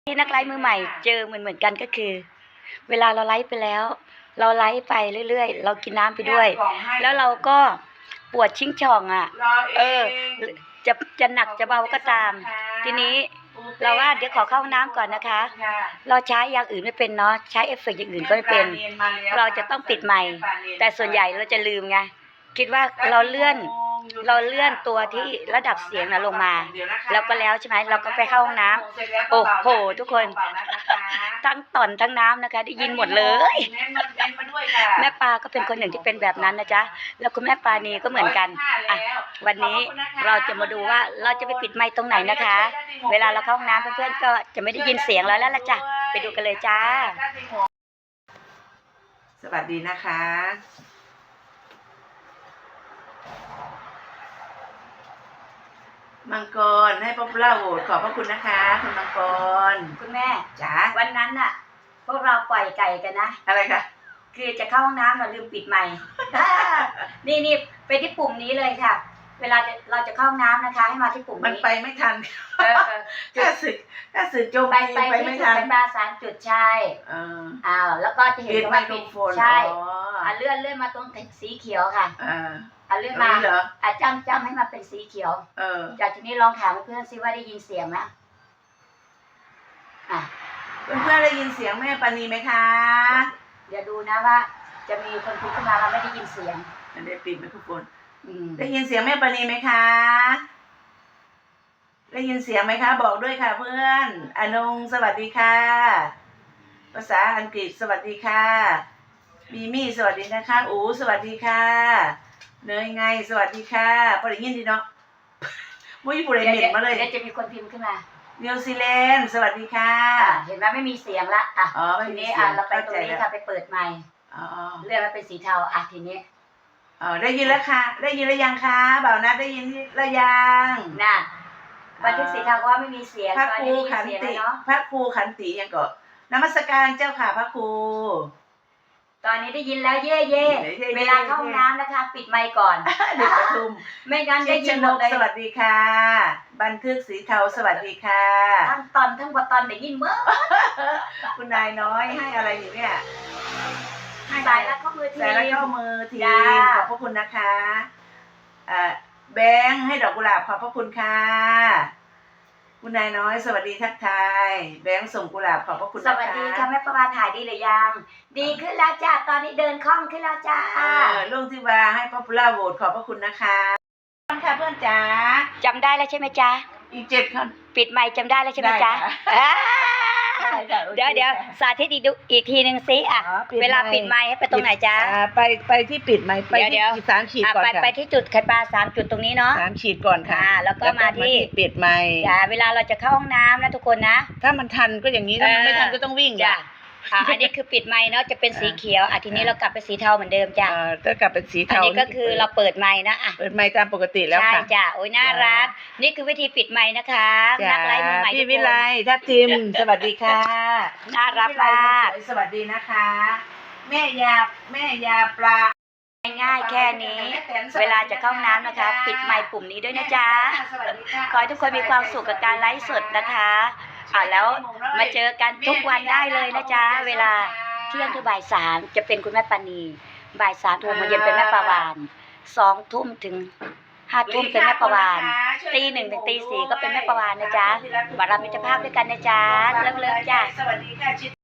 ที่นักไลฟ์มือใหม่เจอเหมือนกันก็คือเวลาเราไลฟ์ไปแล้วเราไลฟ์ไปเรื่อยๆเรากินน้ำไปด้วยแล้วเราก็ปวดชิงช่องอ่ะจะหนักจะเบาก็ตามทีนี้เราว่าเดี๋ยวขอเข้าห้องน้ำก่อนนะคะเราใช้อย่างอื่นไม่เป็นเนาะใช้เอฟเฟกต์อย่างอื่นก็ไม่เป็นเราจะต้องปิดไมค์แต่ส่วนใหญ่เราจะลืมไงคิดว่าเราเลื่อนตัวที่ระดับเสียงนะลงมาแล้วก็แล้วใช่ไหมเราก็ไปเข้าห้องน้ำโอ้โหทุกคนทั้งต่อนทั้งน้ำนะคะได้ยินหมดเลยแม่ปลาก็เป็นคนหนึ่งที่เป็นแบบนั้นนะจ๊ะแล้วคุณแม่ปลานีก็เหมือนกันอ่ะวันนี้เราจะมาดูว่าเราจะไปปิดไมค์ตรงไหนนะคะเวลาเราเข้าห้องน้ำเพื่อนๆก็จะไม่ได้ยินเสียงแล้วล่ะจ้ะไปดูกันเลยจ้าสวัสดีนะคะมังกรให้ป๊อปปูล่าโหวตขอบพระคุณนะคะคุณมังกรคุณแม่จ๋าวันนั้นน่ะพวกเราปล่อยไก่กันนะอะไรคะคือจะเข้าห้องน้ำเราลืมปิดไมค์นี่ไปที่ปุ่มนี้เลยค่ะเวลาเราจะเข้าห้องน้ำนะคะให้มาที่ปุ่มนี้มันไปไม่ทันถ้าสึกจมไปไม่ทันมา3 จุดใช่แล้วก็จะเห็นว่าปิดใช่เลื่อนมาตรงสีเขียวค่ะเลื่อนมาจำให้มาเป็นสีเขียวจากทีนี้ลองถามเพื่อนซิว่าได้ยินเสียงไหมเพื่อนได้ยินเสียงแม่ปานีไหมคะเดี๋ยวดูนะว่าจะมีคนพูดขึ้นมาว่าไม่ได้ยินเสียงได้ปิดไมโครโฟนได้ยินเสียงแม่ปานีไหมคะได้ยินเสียงไหมคะบอกด้วยค่ะเพื่อนอนงสวัสดีค่ะภาษาอังกฤษสวัสดีค่ะมีมี่สวัสดีนะคะอูสวัสดีค่ะเนยไงสวัสดีค่ะพอได้ยินดีเนาะมุ้ยผู้ใดเห็นมาเลยเดี๋ยวจะมีคนพิมพ์ขึ้นมานิวซีแลนด์สวัสดีค่ะเห็นไหมไม่มีเสียงละทีนี้เราไปตรงนี้ค่ะไปเปิดไมค์เลื่อนมาเป็นสีเทาทีนี้ได้ยินแล้วค่ะได้ยินแล้วยังคะบ่าวนัดได้ยินแล้วยังน่ะบันทึกสีเทาว่าไม่มีเสียงพระครูขันติพระครูขันติยังก็นมัสการเจ้าค่ะพระครูตอนนี้ได้ยินแล้วเย่เวลาเข้าห้องน้ำนะคะปิดไมค์ก่อนเดี๋ยวประชุมไม่งั้นได้ยินหมดเลยสวัสดีค่ะบันทึกสีเทาสวัสดีค่ะทั้งตอนได้ยินเมื่อคุณนายน้อยให้อะไรอยู่เนี่ยสายแล้วก็มือทีขอบพระคุณนะคะแบงค์ให้ดอกกุหลาบขอบพระคุณค่ะคุณนายน้อยสวัสดีทักทายแบงค์ส่งกุหลาบขอบพระคุณนะคะสวัสดีค่ะแม่ประภาถ่ายดีหรือยังดีขึ้นแล้วจ้าตอนนี้เดินคล่องขึ้นแล้วจ้าลุงทิวาให้ป๊อปปูล่าโหวตขอบพระคุณนะคะค่ะเพื่อนจ๋าจำได้แล้วใช่ไหมจ๊ะอีก7 คนปิดไมค์จำได้แล้วใช่ไหมจ๊ะเดี๋ยวสาธิตอีกทีนึงซิเวลาปิดไมค์ให้ไปตรงไหนจ๊ะไปที่ปิดไมค์ไปที่3 ขีดก่อนค่ะไปที่จุดคันปลา3 จุดตรงนี้เนาะ 3 ขีดก่อนค่ะแล้วก็มาที่ปิดไมค์จ้ะเวลาเราจะเข้าห้องน้ำนะทุกคนนะถ้ามันทันก็อย่างนี้ถ้ามันไม่ทันก็ต้องวิ่งจ้ะอันนี้คือปิดไมค์เนาะจะเป็นสีเขียวทีนี้เรากลับไปสีเทาเหมือนเดิมจ้ะก็กลับเป็นสีเทาอันนี้ก็คือเราเปิดไมค์นะเปิดไมค์ตามปกติแล้วค่ะใช่จ้ะโอ้ยน่ารักนี่คือวิธีปิดไมค์นะคะนักไลฟ์มือใหม่พี่วิไลทัพทิมสวัสดีค่ะน่ารักมากสวัสดีนะคะแม่ยาปลาง่ายแค่นี้เวลาจะเข้าน้ำนะคะปิดไมค์ปุ่มนี้ด้วยนะจ๊ะขอให้ทุกคนมีความสุขกับการไลฟ์สดนะคะแล้วมาเจอกันทุกวันได้เลยนะจ๊ะเวลาเที่ยงถึงบ่าย 3จะเป็นคุณแม่ปานีบ่าย 3 ถึงมื้อเย็นเป็นแม่ปาวาน2 ทุ่มถึง5 ทุ่มเป็นแม่ปาวานตี 1 ถึงตี 4ก็เป็นแม่ปาวานนะจ๊ะบารมีเจ้าภาพด้วยกันนะจ๊ะเลิฟจ้ะสวัสดีค่ะ